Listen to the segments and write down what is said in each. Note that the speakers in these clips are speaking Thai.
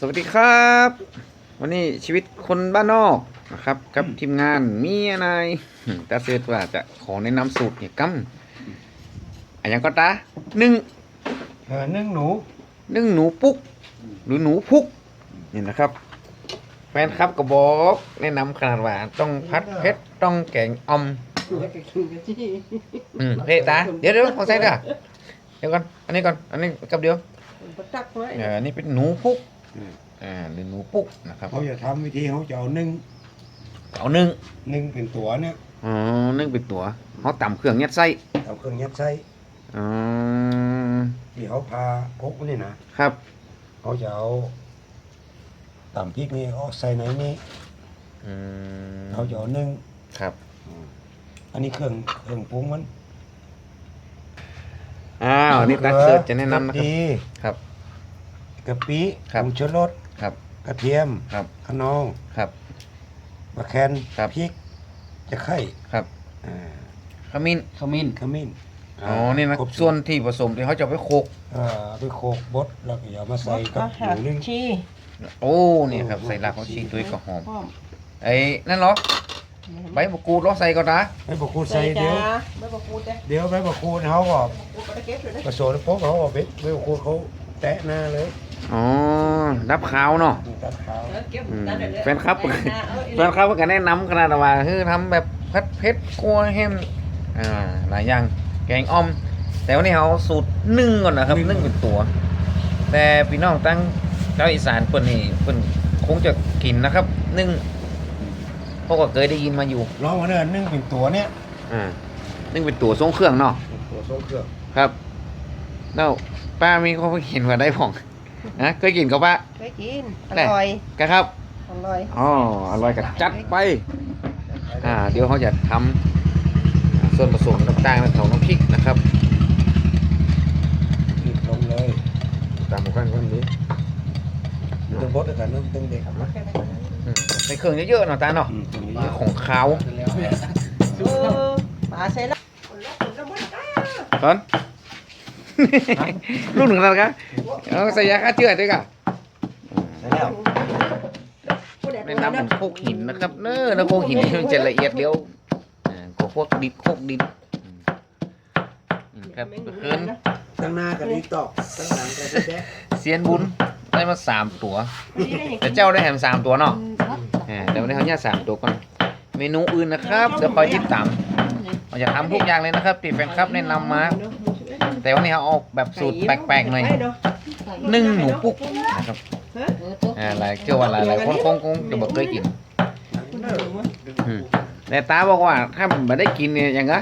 สวัสดีครับวันนี้ชีวิตคนบ้านนอกนะครับกับทีมงานมีอะไรตาเซตว่าจะขอแนะนำสูตรเนี่ยกัอันยังก็ตานึ่งนึ่งหนูนึ่งหนูปุ๊กหรือหนูพุกนี่นะครับแฟนครับก็บอกแนะนำขนาดว่าต้องพัดเพชรต้องแกงอมเฮ้ตาเดี๋ยวขอใส่ด้วยเดี๋ยวก่อนอันนี้ก่อนอันนี้กับเดียวอันนี้เป็นหนูพุกหรือหนูปุ๊กนะครับเขาจะทำวิธีเขาจะเอานึ่งเป็นตัวเนี่ยนึ่งเป็นตัวเขาตำเครื่องยัดไส้เอาเครื่องยัดไส้ที่เขาพาพกนี่นะครับเขาจะเอาตำพริกนี่เขาใส่ในนี้เขาจะเอานึ่งครับอันนี้เครื่องปรุงมันนี่ตักเสิร์ฟจะแนะนำนะครับกะปิผงชูรสกระเทียมขนองมะแคนพริกจะไข่ขมิ้นนี่นะส่วนที่ผสมที่เขาจะไปโขกไปโขกบดแล้วก็เอามาใส่กับหมูนึ่งโอ้นี่ครับใส่รากเขาชีด้วยก็หอมไอ้นั่นเหรอใบมะกรูดเราใส่ก่อนนะใบมะกรูดใส่เดี๋ยวใบมะกรูดเขาก็ผสมปุ๊บเขาก็ใบมะกรูดเขาแตะหน้าเลยดับขาวเนาะแฟนครับก็แนะนำขนาดว่าคือทำแบบผัดเผ็ดกัวแฮมหลายอย่างแกงอ่อมแต่วันนี้เขาสูตรนึ่งก่อนนะครับนึ่งเป็นตัวแต่พี่น้องตั้งเจ้าอีสานเพิ่นนี่เพิ่นคงจะกินนะครับนึ่งเพราะว่าเคยได้ยินมาอยู่ลองมาเดินนึ่งเป็นตัวเนี้ยนึ่งเป็นตัวทรงเครื่องเนาะตัวทรงเครื่องครับแล้วป้ามีเขาเห็นว่าได้ผ่องเคยกินกับป้าเคยกินอร่อยครับอร่อยอร่อยกับจัดไปเดี๋ยวเขาจะทำส่วนผสมต่างๆของน้ำพริกนะครับลงเลยตามหมู่บ้านคนนี้ต้องบดด้วยกันต้องเด็กในเครื่องเยอะๆหน่อยตาเนาะของขาวปลาใส่ละตอนลูกหนึ่งแล้วกันใส่ยาฆ่าเชื้อด้วยกันในน้ำเป็นโคกหินนะครับเนื้อโคกหินมันจะละเอียดเร็วพวกดิบโคกดิบครับเกินตั้งหน้ากับดีตอกตั้งหลังกับดีแดะเซียนบุญได้มา3 ตัวแต่เจ้าได้แถม3 ตัวเนาะแต่วันนี้เขาเนี่ย3 ตัวก่อนเมนูอื่นนะครับเดี๋ยวคอยติดตามเราจะทำทุกอย่างเลยนะครับที่แฟนคลับแนะนำมาแต่วันนี้เขาออกแบบสูตรแปลกๆหน่อยนึ่งหนูปุ๊กนะครับอะไรเกี่ยวกับอะไรคงจะบอกเคยกินแต่ตาบอกว่าถ้าไม่ได้กินเนี่ยยังไง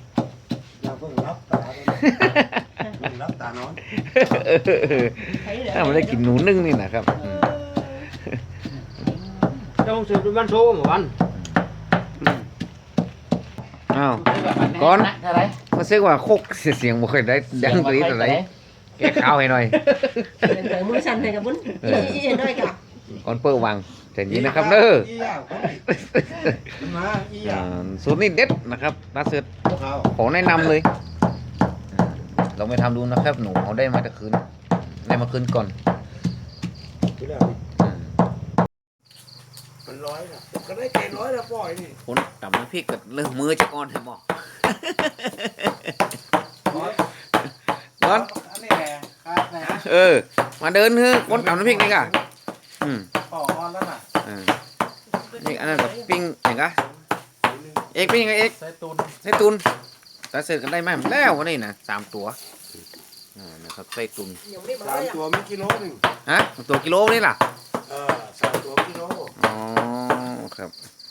รับตานอนถ้าไม่ได้กินหนูนึ่งนี่นะครับเจ้าสืบเป็นวันโซ่หมู่วันก่อนมาซื้อว่าโคกเสียงบ่เคยได้ดังกรี๊ดอะไรแกข้าวให้หน่อยมือสั่นให้กับบุญด้วยกับก่อนเปิดวางแต่นี้นะครับเด้อสูตรนี้เด็ดนะครับน่าเสือขอแนะนำเลยเราไปทำดูนะครับหนูเขาได้มาแต่คืนได้มาคืนก่อนมันร้อยนะก็ได้ใจร้อยแล้วปล่อยนี่คนตับน้ำพริกกับเรื่องมือจะก่อนให้หมอก่อนมาเดินเฮ้คนตับน้ำพริกนี่ก่ะต่ออนแล้วน่ะนี่อันนั้นกับปิ้งอย่างกะเอกปิ้งยังไงเอกใส่ตุนแต่เสร็จกันได้ไหมแล้ววันนี้นะ3 ตัวนะครับใส่ตุน 3 ตัวมีกิโลนึงตัวกิโลนี่ล่ะ 3 ตัวกิโลครับ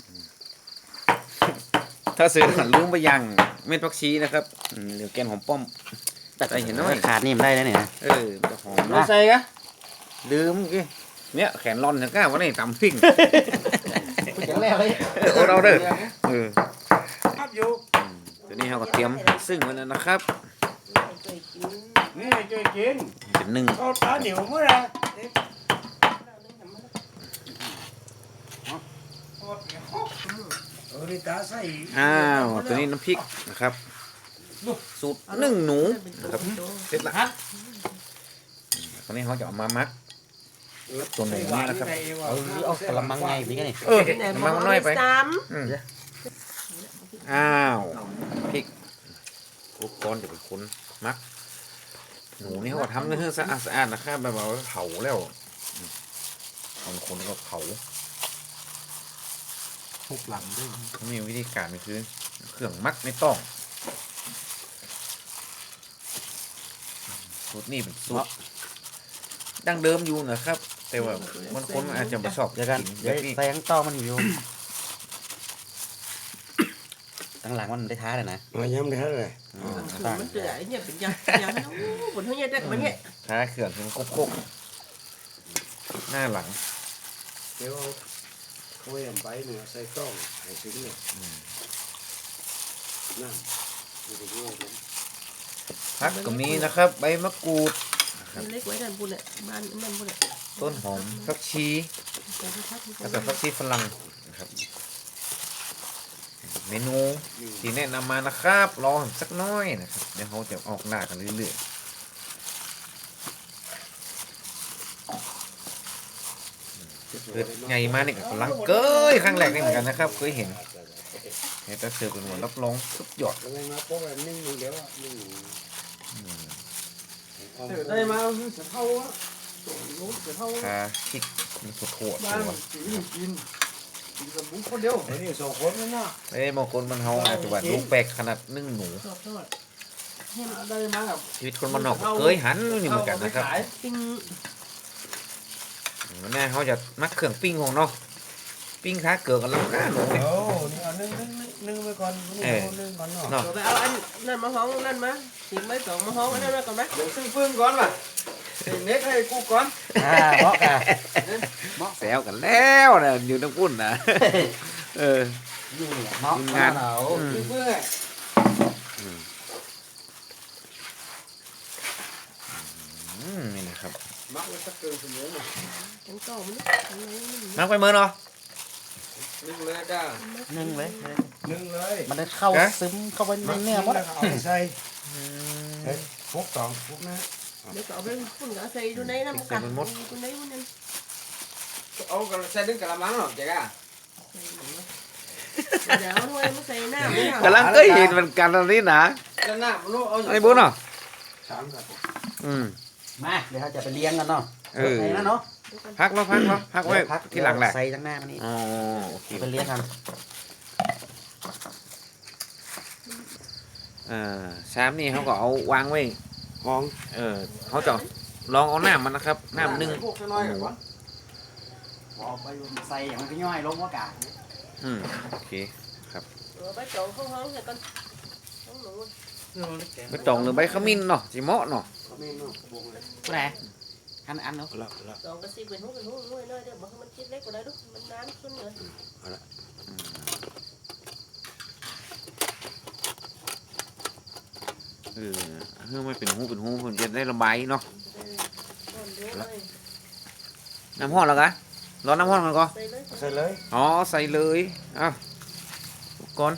ถ้าซื้อลืมไปยังเม็ดผักชีนะครับหรือแกนหอมป้อมแต่เห็นไหมขาดนี่มันได้แล้วเนี่ยจะหอมไม่ใส่กะลืมกี่เนี่ยแขนร่อนถึงก้าวันนี้ตำพริกเราเด้อครับอยู่ตัวนี้เราก็เตรียมซึ่งไว้แล้วนะครับนี่ช่วยกินเป็นนึ่งเอาตาเหนียวเมื่อไรตัวนี้น้ำพริกนะครับสูตรนึ่งหนูนะครับเสร็จแล้วตอนนี้เขาจะเอามามัดตัวหนูนี่นะครับเอากระมังไงพี่กันนี่มันน้อยไปซ้อ้าวพริกอุปกรณ์จะเป็นคนมัก หนูนี่เขาก็ทำเนื้อสะอาดนะครับแบบว่าเผาแล้วบางคนก็เผาทุกหลังด้วยเขามีวิธีการคือเครื่องมักไม่ต้องสูตรนี่เป็นสูตรดั้งเดิมอยู่นะครับ แต่ว่าบางคนอาจจะไม่ชอบเดี๋ยวกันกินแบเดี๋ยวบนี้แซงต่อมันอยู่ตั้งหลังมันได้ท้าเลยนะมาย้ำได้เลยำมันเดือดเนี่ยเป็นยังนะผลเท่านี้ได้มันเนี่ยท้าเขื่อนเป็นโคกหน้าหลังเดี๋ยวเขาแยมไปเนี่ยใส่ต้องใส่ชิ้นเนี่ยนั่นไม่ได้ด้วยนะพักก็มีนะครับใบมะกรูดเล็กไว้ด้านบนเนี่ยบ้านนั่นบนเนี่ยต้นหอมผักชีแล้วก็ผักชีฝรั่งนะครับเมนูที่แนะนำมานะครับรอสักน้อยนะครับเดี๋ยวเขาจะออกหน้ากันเรื่อยๆเกิดไงมาเนี่ยกำลังเกยครั้งแรกนี่เหมือนกันนะครับเคยเห็นแต่เสือเป็นหัวรับรองสุดยอดอะไรมาโป๊ะแบบนิ่งเดี๋ยวนิ่งได้มาเสือเท่าอะรู้เสือเท่าคาคิกมันสุดโหดบ้านกินกินกับบุ้งคนเดียวไอ้นี่สองคนนั่นน่ะเอ้ยบางคนมันเฮาอาจจะว่าลูกแปลกขนาดนึ่งหนูชอบทอดได้มากับชีวิตคนมันนอกก็เคยหันนี่เหมือนกันนะครับปิ้งวันนี้เขาจะมักเครื่องปิ้งของเนาะปิ้งขาเกลือกันแล้วก็หนูเนี่ยโอ้นี่เอานึ่งไปก่อนนี่เอานึ่งก่อนเนาะเนาะเดี๋ยวไปเอาอันนั่นมาห้องนั่นมาทิ้งไว้สองมาห้องอันนั้นมาก่อนไหมเดี๋ยวซื้อฟืนก่อนป่ะเน็กให้กูก่อนเหมาะกันแซวกันแล้วนะอยู่ทั้งพุ่นนะเออนี่เหมาะทีมงานเราซื้อฟืนนี่นะครับมักไว้สักเกินเสมอหน่อยทั้งเก่ามันมักไปเมื่อเนาะนึงเลยจ้านึ่งเลยนึ่งเลยมันได้เข้าซึมเข้าไปในเนื้อหมดเอาไปใส่พวกสองพวกนะเดี๋ยวเอาไปฝุ่นกับใส่ดูในน้ำกันดูในมันนั่นเอากระใส่ดึงกระมังหรอเจ๊ก้าเดี๋ยวด้วยมันใส่น้ำไม่เอากำลังเคยเห็นเหมือนกันตอนนี้นะแล้วหน้ามันรู้เอาไอ้บุญเนาะสามกับมาเดี๋ยวเราจะไปเลี้ยงกันเนาะเออไหนนะเนาะพักไว้พักที่หลังแหละใส่ตั้งหน้ามันนี่อ๋อโอเคไปเลี้ยงกันชามนี่เขาก็เอาวางไว้ห้องเขาจะลองเอาน้ำมันนะครับน้ำนึ่งพวกน้อยก่อนบอกไปใส่อย่างมันก็ย่อยลงว่ากาโอเคเอาไปจองห้องเนี่ยกันห้องหนูใบตองหรือใบขมิ้นเนาะสีเหมาะเนาะเขาไม่นอกวงเลยผู้ใดอันเนาะละละจองกระซิบเป็นห้องน้อยเดี๋ยวบอกให้มันคิดเล็กกว่าได้ลูกมันน้ำขึ้นเลยเพื่อไม่เป็นหูผมจะได้ระบายเนาะน้ำห้อนแล้วกะร้อนน้ำห้อนกันก่อนใส่เลยใส่เลยอ๋อใส่เลยอ้าวก่อน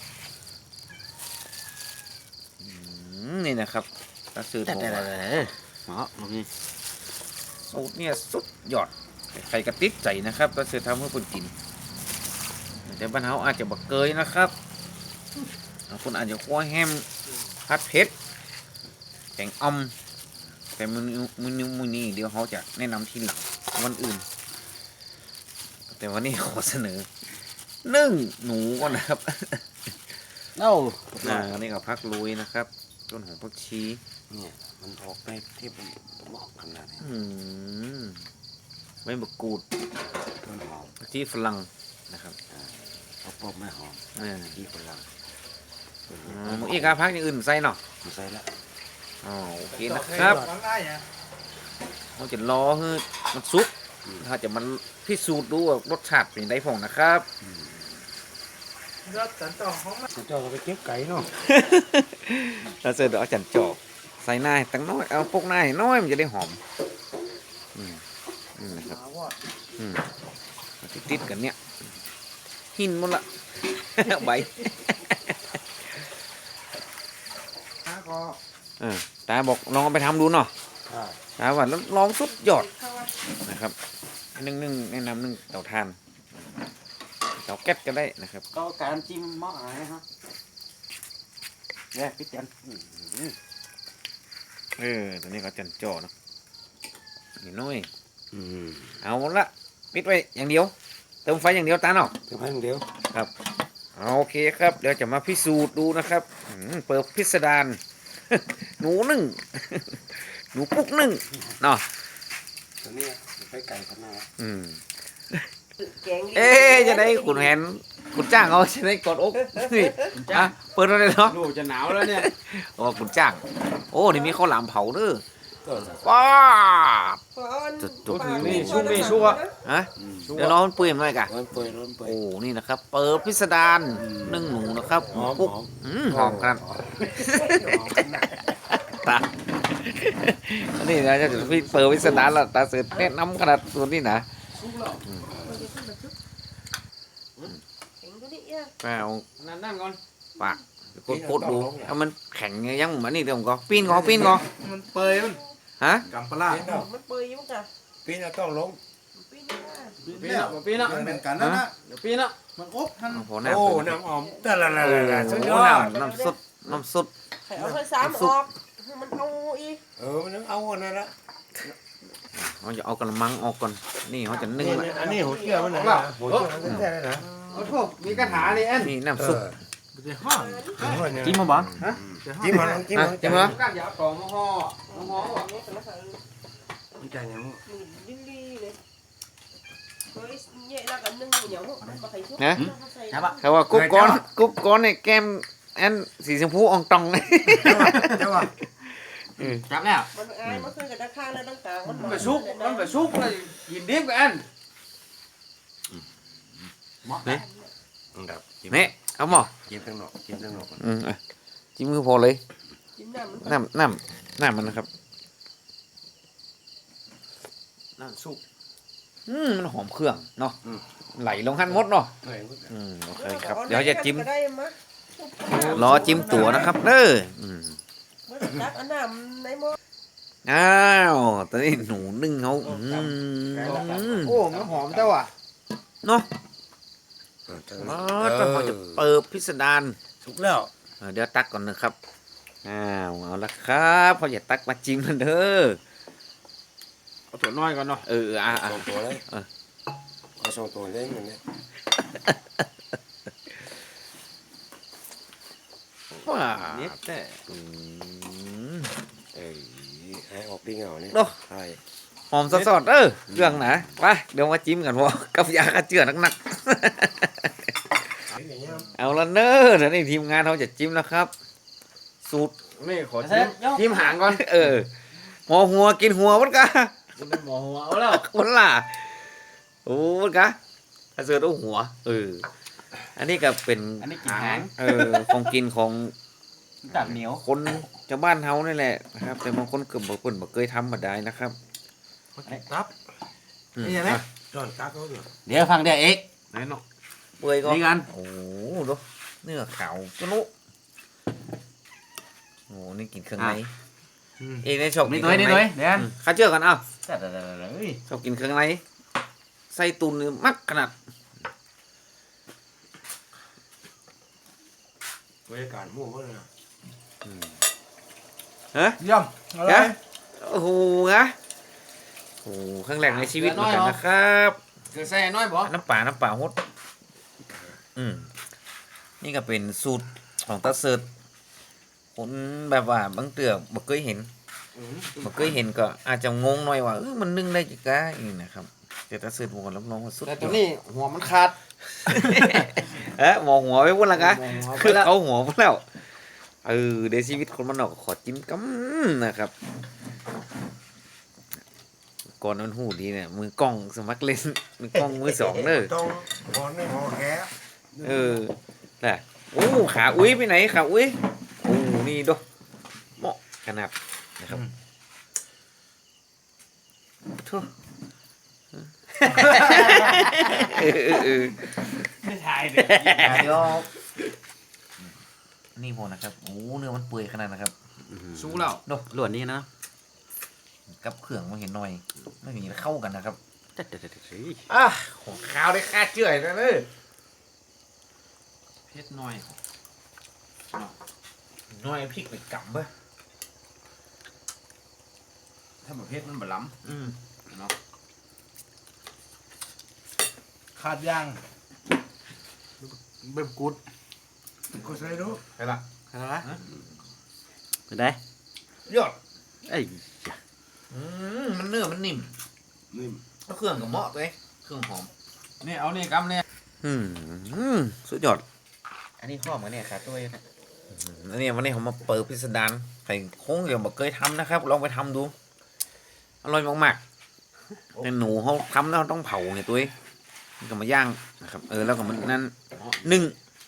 นี่นะครับตาสื่อแต่ผมแต่ว่าเหมาะตรงนี้สูตรเนี่ยสุดยอดใครกระติดใจนะครับตาสื่อทำให้คนกินแต่บ้านเฮาอาจจะบักเกยนะครับบางคนอาจจะคั่วแฮมผัดเผ็ดแกงอ่อมแต่มื้อนี้เดี๋ยวเขาจะแนะนำทีหลังวันอื่น แต่วันนี้ขอเสนอนึ่งหนูก่อนนะครับเอ้าอันนี้ก็พักลุยนะครับต้นหอมผักชีเนี่ยมันออกไปที่มันเหมาะขนาดนี้ใบมะกรูดต้นหอมผักชีฝรั่งนะครับเอาปอบไม่หอมที่ฝรั่งอีกครับพักอย่างอื่นใส่เนาะใส่ละอ๋อโอเคนะครับฟังได้เนี่ยเราจะรอให้มันสุกถ้าจะมันพิสูจน์ดูว่ารสชาติเป็นไงผ่องนะครับก็จันต่อห้องเจ้าก็ไปเก็บไก่เนาะเราเจอเดี๋ยวเอาจันจอกใส่หน้าให้ตั้งน้อยเอาพวกหน้าให้น้อยมันจะได้หอมนะครับมาว่าติดกันเนี่ยหินหมดละ ใบก็ตาบอกลองเอาไปทำดูเนาะตาว่าลองสุดยอดนะครับนึ่งแนะนำนึ่งเตาถ่านเตาแก๊สก็ได้นะครับก็การจิ้มหม้ออะไรฮะเนี่ยพี่เตียนตอนนี้ก็จันจ่อเนาะนี่น้อยอืมเอาละปิดไว้อย่างเดียวเติมไฟอย่างเดียวตาเนาะเดี๋ยวให้เดียวครับโอเคครับเดี๋ยวจะมาพิสูจน์ดูนะครับเปิดพิสดาร หนูนึ่ง หนูปุ๊กนึ่งเนาะตอนนี้ไปไก่ขนาดแกงจะได้ขุนแหนขุนจ้างเขาจะได้กดอกนี่อ่ะเปิดอะไรเนาะดูจะหนาวแล้วเนี่ยโอ้ขุนจ้างโอ้นี่มีข้าวหลามเผาเด้อก็ว้าจุดนี่ชุ่มนี่ชั่วฮะเดี๋ยวน้องมันเปื่อยมั้ยกะร้อนเปื่อยร้อนเปื่อยโอ้นี่นะครับเปิดพิสดารนึ่งหนูนะครับหอมปุ๊กหอมหอมกันตานี่นะจะพี่เปิดพิสดารละตาเสร็จแนะนำขนาดตัวนี้นะแข็งตัวนี้อ่ะแป้วนั่นก่อนปากกดดูถ้ามันแข็งยังเหมือนนี่เดี๋ยวผมก็ปีนก็มันเปยมันฮะกำปลามันเปื่อยอยู่จ้ะปีนี้ต้องลงปีนี้ปีน่ะปีน่ะมันเป็นกันนั่นนะเดี๋ยวปีน่ะมันอบท่านพอน้ำโอ้น้ำหอมแต่ละละโอ้ละสุดยอดน้ำสุดน้ำสุดไข่เอาไข่สามออกมันเอาอีกมันต้องเอาอันนั้นละเราจะเอากระมังออกก่อนนี่เขาจะนึ่งนี่ละอันนี้หัวเชื่อมันนะหัวเชื่อมันแท้เลยนะเอาโทษมีกระถานี่แอนนี่น้ำซุปจะห้องจิ้มมาบ้างจิ้มมันจิ้มมันจิ้มมาก้านยาวต่อมาห่อห่อมันจะยังลิลลี่เลยเฮ้ยเนี่ยแล้วกันนึ่งเหนียวมันมาใส่ชุบครับอ่ะเขาว่ากรุ๊ปก้อนในแก้มอันสีชมพูอ่องตองเลยเจ้าว่าจับแล้วมันอายมันขึ้นกับตะข้างแล้วตั้งกลางมันไปซุกมันไปซุกเลยยินดีกับแอนหม้อดับนี่เอาหมอจิ้มทั้งนอกจิ้มทั้งนอกจิ้มมือพอเลยจิ้มน้ำมันน้ำมันนะครับนั่นซุกมันหอมเครื่องเนาะไหลลงหั่นหมดเนาะโอเคครับเดี๋ยวจะจิ้มรอจิ้มตัวนะครับเด้อตักอันน้ำในหม้ออ้าวตอนนี้หนูนึ่งเขาโอ้มันหอมแต่ว่ะเนาะเราจะเปิดพิสดารสุกแล้วเดี๋ยวตักก่อนนะครับเอาละครับพออย่าตักมาจิ้มมันเด้อเอาตัวน้อยก่อนเนาะสองตัวเลยเอาสองตัวเล่นกันเนี่ยว้านี่แต่ให้ออกดีเงาเนี่ยใช่หอมสดๆเครื่องนะไปเดี๋ยวมาจิ้มกันพอกับยาฆ่าเชื้อหนักๆเอาละเนอะเดี๋ยวนี้ทีมงานเขาจะจิ้มแล้วครับ สูตรนี่ขอจิ้มหางก่อนหอหัวกินหัวมันกะหมอหัวเอาแล้วมันล่ะโอ้มันกะถ้าเสือต้องหัวอันนี้ก็เป็นอันนี้กินหางของกินของตับเหนียวคนชาวบ้านเฮานี่แหละนะครับแต่บางคนเกือบบ่เคยทำมาได้นะครับตับนี่ใช่ไหมจอนตักเขาอยู่เดี๋ยวฟังเดี๋ยวเอกไหนเนาะเปื่อยก็นี่กันโอ้โหดูเนื้อขาวจุนุโอ้โหนี่กินเครื่องในเองได้ชอบกินี่นตัวเครื่องนี่ในตัวเดี๋ยวข้าเชื่อกันเอ้าแต่เฮ้ยชอบกินเครื่องในไส้ตุนนี่มักขนาดบรรยากาศมั่วมากเลยฮะเยี่ยมอะไรโอ้โหนะโอ้โหครั้งแรกในชีวิตเหมือนกันนะครับเกิดใส่น้อยบ่น้ำป่าฮดนี่ก็เป็นสูตรของตาเสิร์ตคนแบบว่าบางเตือบ่เคยเห็นก็อาจจะงงหน่อยว่ามันนึ่งได้กี่กะนี่นะครับแต่ตาเสิร์ตบอกรับรองว่าสุดแต่ตัวนี้หัวมันขาดหมอหัวไปพุ่นละกะหมอหัวไปคือแล้วเขาหัวพุ่นแล้วเดี๋ยวชีวิตคนมันนอกขอจิ้มกันะครับก่อนนั้นหูดีเนี่ยมือกล้องสมัครเล่นมือกล้องมือสองเด้อต้องหอนในหอแกแหละโอ้ขาอุ้ยไปไหนขาอุ้ยโอ้นี่ดูเหมาะขนาดนะครับโธ่ไม่ถ่ายเลยเดี๋ยวนี่พอนะครับโอ้เนื้อมันเปื่อยขนาดนะครับสู้แล้วดูหลวนนี่นะกับเครื่องมันเห็นหน่อยไม่เห็นเข้ากันนะครับอ่ะของข้าวได้ค่าเจื่อยแล้วเนอะเพชรน้อยน้อยพริกไปกำเบ้อถ้าแบบเพชรมันบะล้อืมำเนาะขาดย่างเบิ่มกุดก็ใส่ดูไปละอะไรไปได้ยอดไอ้มันเนื้อมันนิ่มนิ่มแล้วเครื่องกับเหมาะตัวเองเครื่องหอมนี่เอานี่กำเนี่ยสุดยอดอันนี้ข้อมาเนี่ยขาดด้วยนะอันนี้วันนี้ผมมาเปิดพิสดารใส่โค้งเดี๋ยวบอกเคยทำนะครับ ลองไปทำดู อร่อยมากๆแต่หนูเขาทำแล้วต้องเผาไงตัวเองมันก็มาย่างนะครับ แล้วก็มันนั่นนึ่ง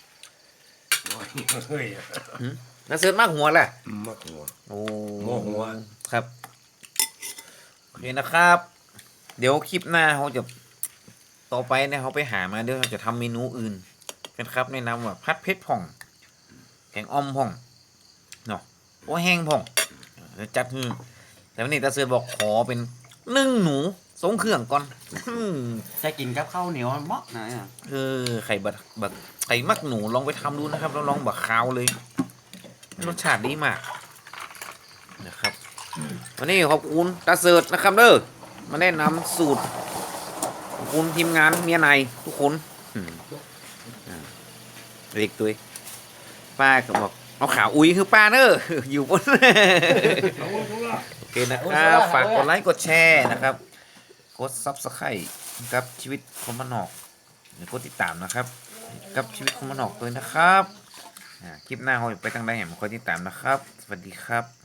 เฮ้ยแล้วเสิร์ฟมากหัวแหละมากหัวโอ้หม้อหัวครับโอเคนะครับ เดี๋ยวคลิปหน้าเขาจะต่อไปเนี่ยเขาไปหามาเดี๋ยวเราจะทำเมนูอื่นกันครับแนะนำว่าพัดเพชรผ่องแกงอ่อมผ่องเนาะโอ้แห้งผ่องเดี๋ยวจัดให้แต่วันนี้ตาเสือบอกขอเป็นนึ่งหนูทรงเครื่องก่อนจะกินกับข้าวเหนียวมันเหมาะนะไข่บักไข่มักหนูลองไปทำดูนะครับแล้วลองบักคาวเลยรสชาติดีมากนะครับวันนี้ขอบคุณตาเสิร์ตนะครับเด้อมาแนะนำสูตรขอบคุณทีมงานเมียในทุกคนเด็กตัวเองป้าก็บอกเอาขาอุ้ยคือป้าเนอะ อยู่บน โอเคนะครับฝากกดไลค์กดแชร์นะครับกดซับสไครต์กับชีวิตคนบ้านนอกหรือกดติดตามนะครับ กับชีวิตคนบ้านนอกด้วยนะครับคลิปหน้าเราไปทางใดเห็นคอยติดตามนะครับ สวัสดีครับ